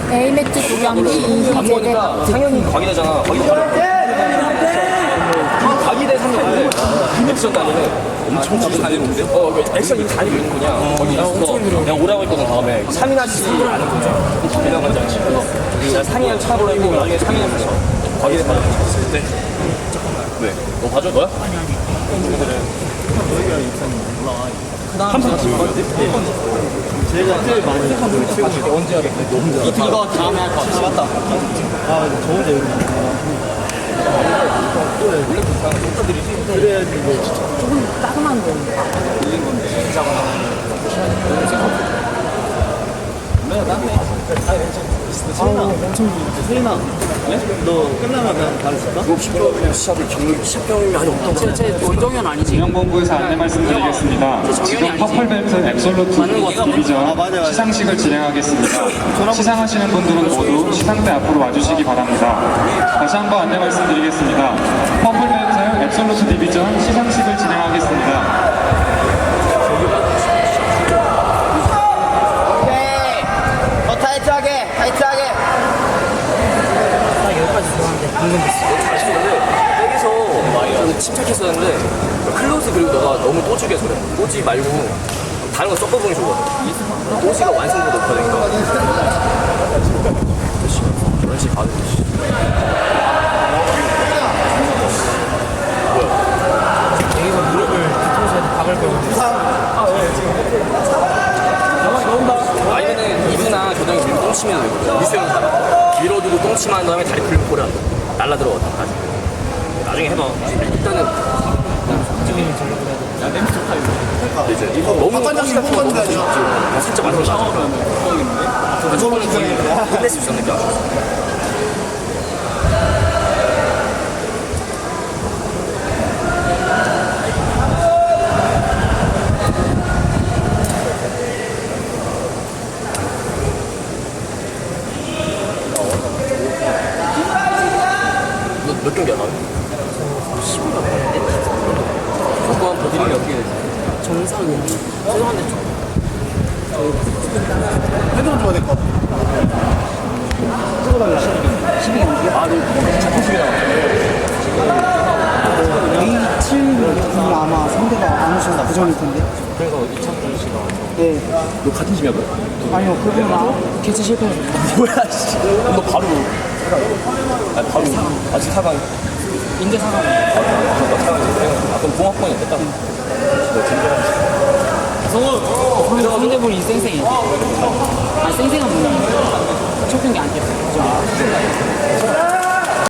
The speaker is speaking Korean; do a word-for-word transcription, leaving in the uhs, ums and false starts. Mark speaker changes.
Speaker 1: A매트 두 경기 이희재대 박특.
Speaker 2: 상현이 과기대잖아. 과기대 바로. 과기대 상현 원래 액션 다니는 엄청 자주 다니는데? 어, 액션 이미 다니고 있는 거냐? 거기 있어. 내가 오라고 했거든, 다음에. 상인아 씨 아는 거죠. 유명 관장 씨. 내가 상인을 차로 했고, 나중에 상인을 가서 과기대 바로 갔을 때. 왜? 너 봐줘, 너야? 아니, 아니. 너희가 입사님 올라와. 함성 지금 봤지? 제가 제일 많이 한 분을 치고 언제 하겠네? 이거 다음에 할 거 같아. 맞다. 아, 저 혼자 여기. 원래 똑같들이지? 그래야지 뭐
Speaker 1: 조금 따끔한 거.
Speaker 2: 밀린 건데. 진짜거나. 내가 낫네. 세인아, 엄청 세인아, 너 끝나면 난 가르칠까? 이거 십 병이면 시합을 경력 십 병이면 아니 없던
Speaker 1: 제, 제 원정현 아니지?
Speaker 3: 중앙본부에서 안내 말씀드리겠습니다. 지금 퍼플벨트 앱솔루트 디비전 시상식을 진행하겠습니다. 시상하시는 분들은 모두 시상대 앞으로 와주시기 바랍니다. 다시 한번 안내 말씀드리겠습니다. 퍼플벨트 앱솔루트 디비전 시상식을 진행하겠습니다.
Speaker 2: 타이트하게, 타이트하게.
Speaker 1: 나 여기까지 들어왔는데 방금 됐어.
Speaker 2: 잘했었는데 백에서 좀 침착했었는데 클로즈 그리고 너가 너무 또주게 그래. 또지 말고 다른 거 섞어보는 게 좋거든. 또지가 완성도가 높아지니까. 그런 식 봐도 되지.
Speaker 1: 여기서 무릎을 뒤통수에 박을 거거든.
Speaker 2: 아니면은 이브나 교정이 밀고 똥치면 되거든. 미스형 사람. 밀어두고 똥치만 다음에 다리 풀면 꼬리 안 돼. 날라 들어가다. 나중에 해봐. 일단은. 야, 냄새 좋다, 이거. 이제 이거 너무 똥치가 너무 똥치. 살짝 만들어 놔. 근데 저번에 끝낼 수 있었는데. 몇 경기야, 나는? 십오 년 됐는데? 조건 버티는 게 어떻게 되지?
Speaker 1: 정상은 죄송한데 좀
Speaker 4: 헤드만 줘야 될 것 같아.
Speaker 1: 십이 경기요?
Speaker 2: 아, 너 자꾸 집에 나와.
Speaker 5: 에이 칠이 아마 상대가 안 오셔서 부정일 텐데.
Speaker 2: 그래서 이창준 씨가.
Speaker 5: 네.
Speaker 2: 너 같은 집이야, 너?
Speaker 5: 아니요, 그분은 아,
Speaker 1: 개체 실패했어.
Speaker 2: 뭐야, 씨. 너 바로. 아, 바로. 아직 사강.
Speaker 1: 인제 사과는.
Speaker 2: 아, 사강. 아, 그럼 공학번이 됐다.
Speaker 1: 성우! 상대분이 쌩쌩해. 아, 쌩쌩한 분이야. 첫 경기 안 뛰었어.